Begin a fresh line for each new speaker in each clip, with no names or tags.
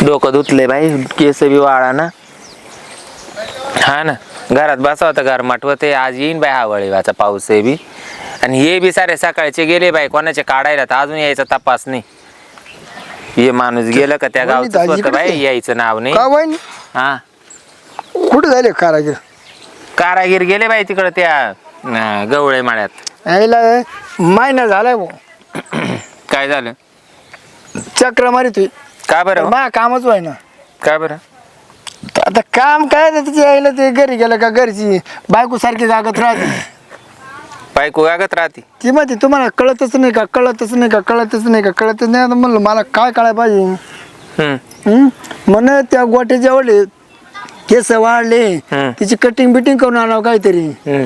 डोकं धुतले बाई, केस बी वाळा ना. हा ना, घरात बसा होता घर माठवते. आज येईन बाई हा वळीवाचा पाऊस आहे बी. आणि हे बी सारे सकाळचे गेले बाई, कोणाचे काढायला तर अजून यायचा तपास नाही. हे माणूस गेलं का त्या गावचं स्वतः बाई यायचं नाव नाही. हा
कुठे झाले कारागीर?
कारागीर गेले बाई तिकडं त्या गवळे माळ्यात.
यायला महिना झालाय भाऊ.
काय झालं?
चक्र मारी तू.
का बरं?
मा कामच व्हाय ना.
का बरं?
आता काम काय त्याची यायला ते घरी गेलं का घरची बायको सारखी जागत राहते.
बायको गागत राहते
ती म्हणते तुम्हाला कळतच नाही का, कळतच नाही का, कळतच नाही का, कळतच नाही. आता म्हणलं मला काय कळायला पाहिजे. म्हण त्या गोट्याच्या वडले केस वाढले, तिची कटिंग बिटिंग करून आणावं काहीतरी.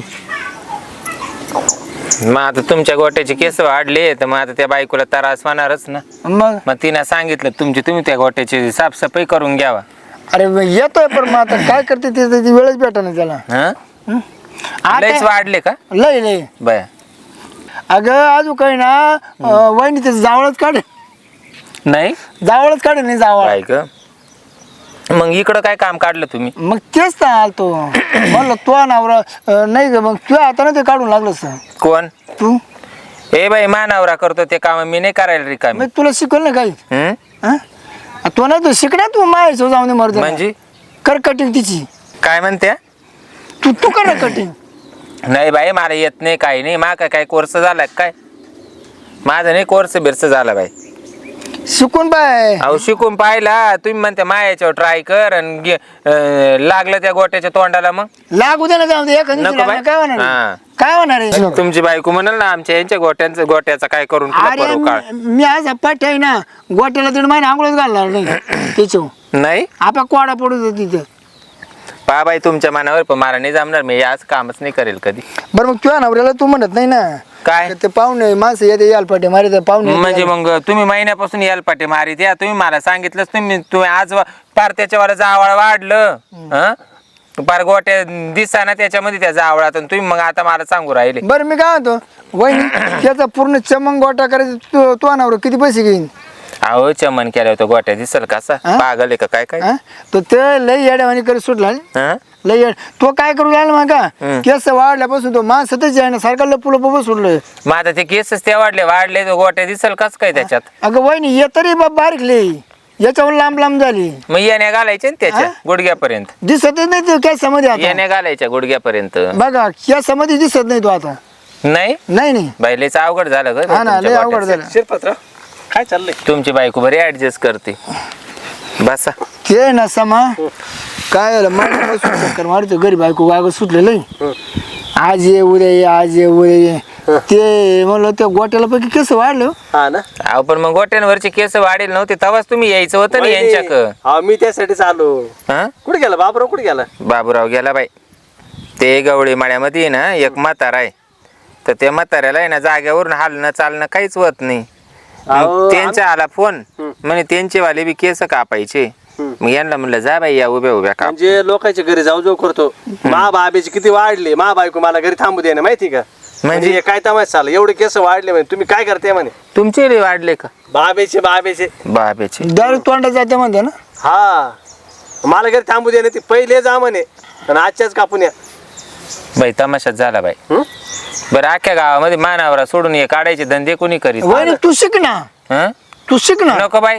मग आता तुमच्या गोट्याचे केस वाढले तर मग आता त्या बायकोला त्रास होणारच ना. मग तिने सांगितलं तुम्ही त्या गोट्याची साफसफाई करून घ्यावा.
अरे येतोय पण मग आता काय करते ते वेळच भेटा ना त्याला.
लयच वाढले का?
लय लय
बया.
अगं अजून काही ना वहिनी त्याचं जावळच काढे.
नाही
जावळच काढे नाही जावळ.
काय ग? मग इकडं काय काम काढलं तुम्ही?
मग तेच तर आलतो. म्हणलं तो नवरा नाही ग, मग तुझ्या हाताने ते काढून लागलं.
कोण?
तू.
ए बाई, मानावरा करतो ते काम, मी नाही करायला रिकामी.
मी तुला शिकवलं ना काही. तो नाही तू शिकणार, तू मायाचं जाऊन दे मर्द.
म्हणजे
कर कटिंग तिची.
काय म्हणते?
तू कर ना कटिंग.
नाही बाई, मला येत नाही, काही नाही. माका काय कोर्स झाला काय? माझा नाही कोर्स बिर्स झाला बाई.
शिकून पाय.
अहो शिकून पाहिला. तुम्ही म्हणते मायाच्यावर ट्राय कर आणि लागलं त्या गोट्याच्या तोंडाला मग
लागू दे ना, जाऊ दे.
नको बाई.
काय होणार? काय होणार आहे?
तुमची बायको म्हणाल ना आमच्या यांच्या गोट्याचा काय करून
अरे मी आज पाठ आहे ना, गोट्याला 1.5 महिने आंघोळच घालणार नाही त्याच्यावर.
नाही
आपा कोडा पडू दे तिथं.
पा बाई तुमच्या मनावर, पण मला नाही जमणार. मी आज कामच नाही करेल कधी.
बरं मग तुझ्या नवऱ्याला तू म्हणत नाही ना
काय?
ते पाहुणे माणसं येते याल पाटे मारे पाहुणे.
म्हणजे मग तुम्ही महिन्यापासून याल पाटे मारित या. तुम्ही मला सांगितलंच तुम्ही आज पार त्याच्यावर जावळ वाढलं. पार गोट्या दिसा ना त्याच्यामध्ये त्या जावळात, तुम्ही मग आता मला सांगू राहिले.
बरं मी काय म्हणतो वहिनी, त्याचा पूर्ण चमंग गोटा करायचा तो नवरा किती पैसे घेईन?
अहो चमन केलं होतं गोट्या दिसल कसा पागल आहे का काय? काय
तो ते लय येड्यावानी करी सुटला. लय येड तो काय करू लागला मग का केस वाढल्यापासून तो माणसातच आहे ना सारखा लपू सोडलं.
मग आता ते केसच ते वाढले तो गोट्या दिसल कस काय त्याच्यात?
अगं वहिनी ये तरी बारीक लय, याच्यावर लांब झाली.
मग येण्या घालायचे ना त्याच्या गुडघ्यापर्यंत.
दिसतच नाही तो केसामध्ये. आता
येण्या घालायच्या गुडघ्यापर्यंत.
बघा केसामध्ये दिसत नाही तो आता.
नाही
नाही
बायलेच अवघड झालं ग.
हा ना, लय अवघड झालं.
शिरपत्र काय चाललंय?
तुमची बायको बरी ऍडजस्ट करते. बसा.
ते ना समा काय चक्कर मारतो घरी बायको गाग सुटलेलं. आज ये उद्या ये, आज ये उद्या ये. ते म्हणलं त्या गोट्याला पैकी केस वाढलं.
हा ना.
अहो पण मग गोट्यांवरचे केस वाढेल नव्हते तेव्हाच तुम्ही यायचं होतं ना यांच्याक.
हा मी त्यासाठीच आलो. कुठे गेला बाबूराव? कुठे गेला?
बाबूराव गेला बाई. ते गवळी माळ्यामध्ये ना एक म्हातारा आहे, तर त्या म्हाताऱ्याला आहे ना जाग्यावरून हालणं चालणं काहीच होत नाही. त्यांचा आला फोन, म्हणे त्यांचे वाले बी केस कापायचे. मग यांना म्हणलं जा बाई या उभ्या का.
म्हणजे लोकांच्या घरी जाऊ करतो. मा बाबेचे किती वाढले, मा बायको मला घरी थांबू दे ना, माहिती का? म्हणजे काय तमाश चाललं, एवढे केस वाढले म्हणे. तुम्ही काय करते म्हणे?
तुमचे बी वाढले का?
बाबेचे
दारू तोंडात जाते म्हणते ना.
हा मला घरी थांबू दे ना, ती पहिले जा म्हणे आणि आजच्याच कापून या.
बाई तमाशाच झाला बाई. बरं अख्ख्या गावामध्ये मानावरा सोडून ये काढायचे धंदे कोणी करीत?
वहिनी तू शिक ना. तू शिक ना.
नको बाई.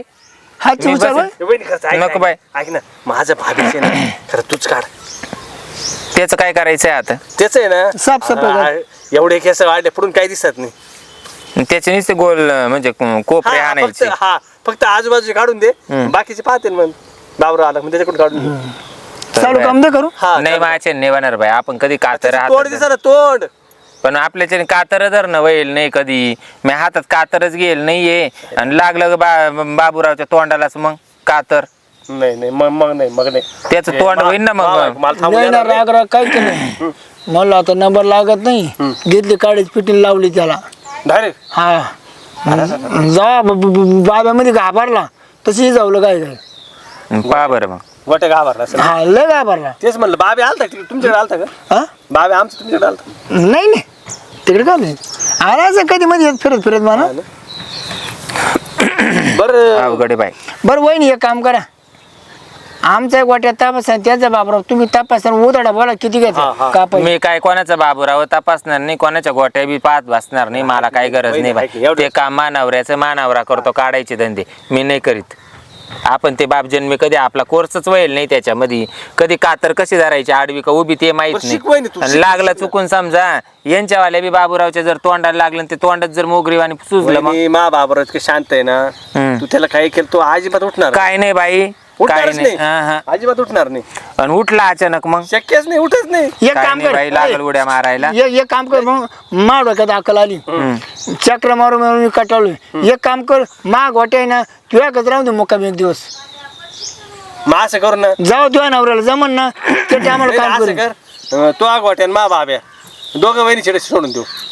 नको बाई.
ऐक ना, माझं भाभीचे ना खरं तूच काढ.
त्याच काय करायचंय आता?
तेच आहे ना
साफसफाई.
एवढे केस वाढले पुढून काही दिसत नाही.
त्याचे नुसते गोल म्हणजे कोपरे आणायचे.
फक्त आजूबाजूचे काढून दे, बाकीचे पाहते मग बाबरा आला मग त्याच्याकडून काढून दे.
चालू काम दे करू.
नाही माझ्या नेवाणार बाई. आपण कधी कातर
तोंड दिसा ना तोंड.
पण आपल्याच्याने कातर धरणं वैल नाही कधी. मी हातात कातरच घेईल नाहीये आणि लागलं बाबूरावच्या तोंडालाच मग कातर.
नाही मग नाही
त्याचं तोंड होईल ना मग.
राग काय केलं मला आता नंबर लागत नाही. घेतली काळीच पिटील लावली त्याला
डायरेक्ट.
हा जा बाब्यामध्ये घाबरला तशी जावलं काय
पहा बरं मग.
गोटे घाबरला.
हा लय घाबरला.
तेच म्हणलं बाबे आलता तुमच्याकडे आलता का? बाबे आमचं तुमच्याकडे आलता?
नाही तिकडे का नाही आलाच कधी मध्ये फिरत म्हणा.
बरं
अवघडे बाई.
बरं वहिनी एक काम करा, आमचा गोट्यात तपास आहे त्याचा बाबराव तुम्ही तपास उदाडा बोला किती घ्यायचं कापाय
मी काय कोणाचा बाबूराव तपासणार नाही, कोणाच्या गोट्या बी पाहत बसणार नाही, मला काही गरज नाही बाई. ते काम मानावऱ्याचं मानावरा करतो, काढायचे धंदे मी नाही करीत. आपण ते बाप जन्मी कधी आपला कोर्सच व्हायला नाही त्याच्यामध्ये, कधी कातर कशी धरायची आडवी का उभी ते माहित
शिकवाय ना तू,
नाही. आणि लागला चुकून समजा यांच्यावाल्या बी बाबूरावच्या जर तोंडाला लागलं आणि ते तोंडात जर मोगरीवाणी सुजलं मग
वहिनी, मा बाबर इतकं शांत आहे ना, तू त्याला काही केलं तो अजिबात उठणार
काय नाही बाई, काय
उठणारच
नाही.
नाही, अजिबात उठणार नाही.
आणि उठला अचानक मग
शक्यच नाही, उठच नाही.
एक
काय
काम
नाही
कर
बाई, लागल उड्या मारायला.
एक काम कर मग मा डोक्यात अक्कल आली चक्र मारून मारून मी कटाळलोय. एक काम कर मा गोट्या आहे ना तुझ्या कच राहून दे मुक्काम एक दिवस,
मग असं करू ना,
जाऊ तुझ्या नवऱ्याला जमन ना ते आम्हाला
नाही,
काम
असं
करू.
कर, तो आगवाट्यान मा बाब्या दोघं वहिनी छेडे सोडून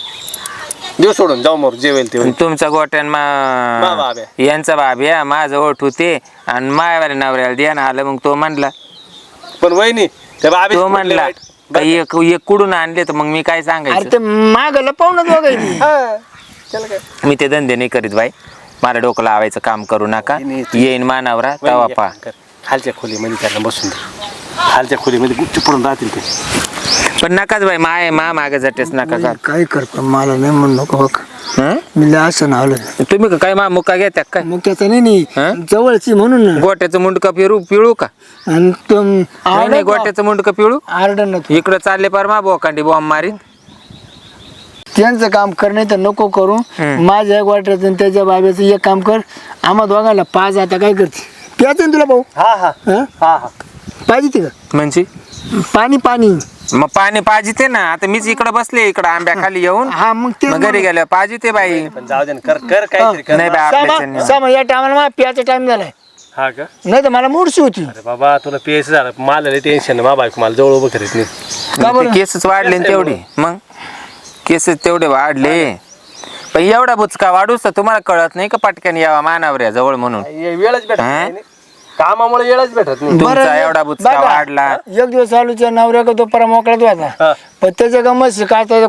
देऊ सोडून जाऊ मोर जेवेल ते
तुमचा गोट्यान
मा बाब्या.
यांचा बाब्या माझं ओठ होते आणि मायावाल्या नवऱ्याला द्या ना आलं. मग तो म्हणला
पण वहिनी त्या बाबी
तो म्हणला एक एक कुडून आणले तर मग मी काय
अरे
सांगायचं.
ते मागला पाहुणच बघायची
त्याला काय
मी ते धंदे नाही करीत बाई, मला डोकं लावायचं काम करू नका. येईन मानावरा तवा
वहिनी,
पा.
एक काम कर. खालच्या खोलीमध्ये त्यांना बसून दे, खालच्या खोलीमध्ये गुच्छ पडून राहतील ते.
पण नकाच बाई, माय मागे जातेच नका का.
काय करतो मला नाही म्हणू नको बघ
हं?
मी लय असं ना आलं
तुम्ही का काय मुक्का घेत्या काय
मग त्याचं नाही
हं?
जवळची म्हणून ना.
गोट्याचं मुंडकं पिळू का.
आणि तो
नाही नाही, गोट्याचं मुंडकं पिळू.
आरडन ना तू.
इकडं चालले पार मा बोकांडी बॉम्ब मारीन.
त्यांचं काम कर नाही तर नको करू. माझ्या गोट्याचं आणि त्याच्या बाब्याचं एक काम कर, आम्हा दोघांना पाच. आता काय करते प्यायचं ना तुला भाऊ
हा हा
हं?
हा हा
पाहिजे ते का
म्हणजे
पाणी पाणी
मग पाणी पाहिजे ते ना. आता मीच इकडे बसले इकडे आंब्या खाली येऊन,
हा मग ते
मग घरी गेल्या पाहिजे ते बाई.
पण जाऊ दे ना, कर कर काहीतरी कर.
नाही बाई, आपल्याच्याने नाही.
सामा या टायमाला मला प्यायचा टाइम झालाय,
हा का?
नाही तर मला मूडशी होती.
अरे बाबा तुला पेस झालं, मला लय टेन्शन मा बायको मला जवळ उभं करीत नाही.
का बरं?
ते केसच वाढले ना तेवढे, मग केसच तेवढे वाढले. पण एवढा बुचका वाढूस तर तुम्हाला कळत नाही का पटकन यावा मानावऱ्या जवळ म्हणून.
वेळच भेटत नाही, कामामुळे वेळच भेटत नाही.
तुमचा एवढा बुचका
बघा,
वाढला.
एक दिवस आलूच्या नवऱ्या का तो परा मोकळाच होता,
हा.
पण त्याच्या गमत शिकायचा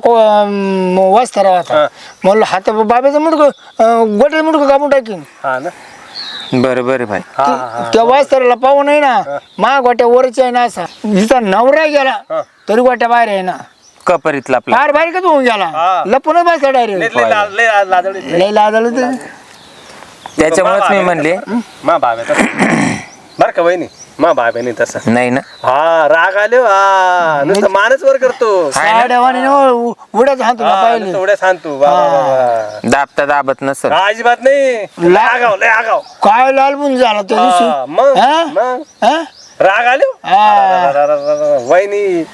वाचता होता. म्हणलं हात बाब्याचं मुडकं गोट्याचं मुडकं कापून टाकीन.
हा ना,
बरं बरं भाई.
हा हा
त्या वाचताला पाहू नाही ना, मा गोट्या वरच आहे ना असा. हिचा नवरा गेला तरी गोट्या बाहेर आहे ना,
कपरीतला आपला.
बाहेर बाहेर का होऊन गेला,
हा.
लपूनच बसला डायरेक्ट.
लय लाजळीत.
लय लाजलं ते.
त्याच्यामुळेच मी म्हणले
मा बाब्या तसं बर का वहिनी, मा बाब्याने तसं
नाही ना.
हा राग आले, हा नुसतं मानच वर करतो.
साड्यावानी उड्याच हातो
हा,
पाहिले.
नुसतं उड्या सांगतो वा, वा, वा.
दाबता दाबत नसल.
हा, अजिबात नाही. लय आगाव लय आगाव.
काय लालबून झाला त्या
हा,
दिवशी.
मग
हा?
मग
हा?
राग आले
हा.
वहिनी,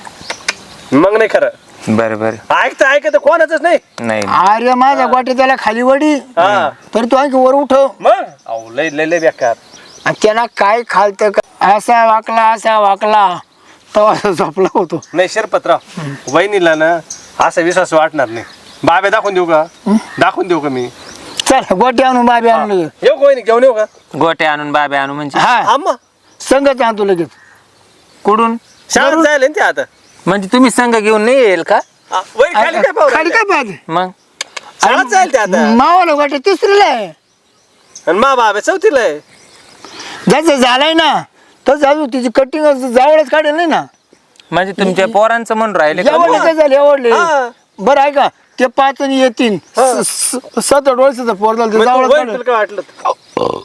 मग नाही खरं
बरं बरं.
ऐकत कोणाच नाही.
नाही
अरे माझा गोट्या त्याला खाली वडी
हा
तर तू आणखी वर उठव.
मग अहो लय लय लय बेकार.
आणि त्याला काय खालत असा वाकला तेव्हा झोपला होतो.
नाही शिरपतराव, वहिनीला ना असा विश्वास वाटणार नाही. बाबे दाखवून देऊ का? दाखवून देऊ का मी?
चल गोटी आणून बाबी आणून लगेच.
येऊ का वहिनी, घेऊन येऊ का?
गोटे आणून बाबे आणू म्हणजे
हा
आम्हा
संगच आणतो लगेच.
कुडून
शाळेत जायला ना ते आता.
म्हणजे तुम्ही संघ घेऊन नाही येईल का
वहिनी खाली काय पाहू
खाली काय पाहते
मग.
शाळेत जायला ते आता.
मावाला गोट्या तिसरीला आहे.
आणि मा बाबे चौथीला आहे.
जसं झालाय ना तर जाऊ तिची कटिंग जावळच काढेल नाही ना.
म्हणजे तुमच्या पोरांचं म्हणून राहिले का?
एवढले झाले एवढले.
हा.
बरं आहे का ते 5 आणि येतील 7-8 वर्षाचा पोर झालं ते
मग
जावळच
तू वहिनी
काढेल.
तुला काय वाटलं?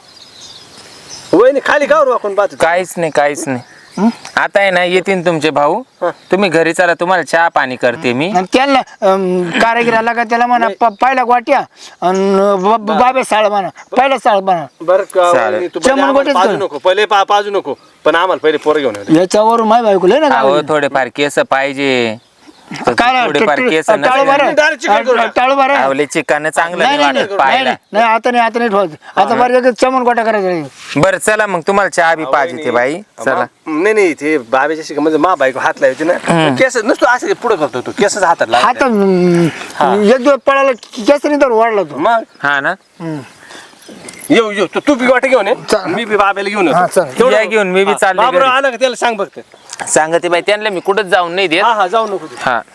वहिनी खाली कावर वाकून पाहत होती?
काहीच नाही. आता आहे ना येतील तुमचे भाऊ, तुम्ही घरी चला, तुम्हाला चहा पाणी करते मी.
आणि त्यांना कारागिराला का त्याला म्हणा पहिला गोट्या आणि बाबे साळ म्हणा, पहिला साळ म्हणा.
बरं का
चालेल.
वहिनी, तू
चमन
पहिले आम्हाला
गोटेच
पाजू
कर.
नको, पहिले पाजू नको, पण आम्हाला पहिले पोरं घेऊन येऊ दे.
याच्यावर माय बायको लय ना
अहो
गावाला.
थोडेफार केस पाहिजे.
काय
थोडेफार केस
टाळू बरं.
आवले चिकन चांगलं
नाही
नाही
नाही
वाटत पाहायला.
नाही आता नाही ठेवायचं. आता बरं एक चमन गोटा करायचा.
बरं चला मग, तुम्हाला चहा बी पाहिजे ते बाई. चला.
नाही ते बाबेच्या म्हणजे मा बायको हात लावायची ना, केस नुसतं असं पुढे करतो तो, केसच हातात
आता
लावायचे.
एक दिवस पळाला केस नाही तर वाढला तो.
मग
हा ना.
येऊ तू बी वाटे घेऊन ये, मी बी बाबेला घेऊन
हा,
येतो.
चल.
या घेऊन मी बी चालले
बाबराव
घरी.
आला का त्याला सांग बघते.
सांगते बाई त्यांना मी कुठंच जाऊन नाही देत.
हा जाऊ नको तू.
हा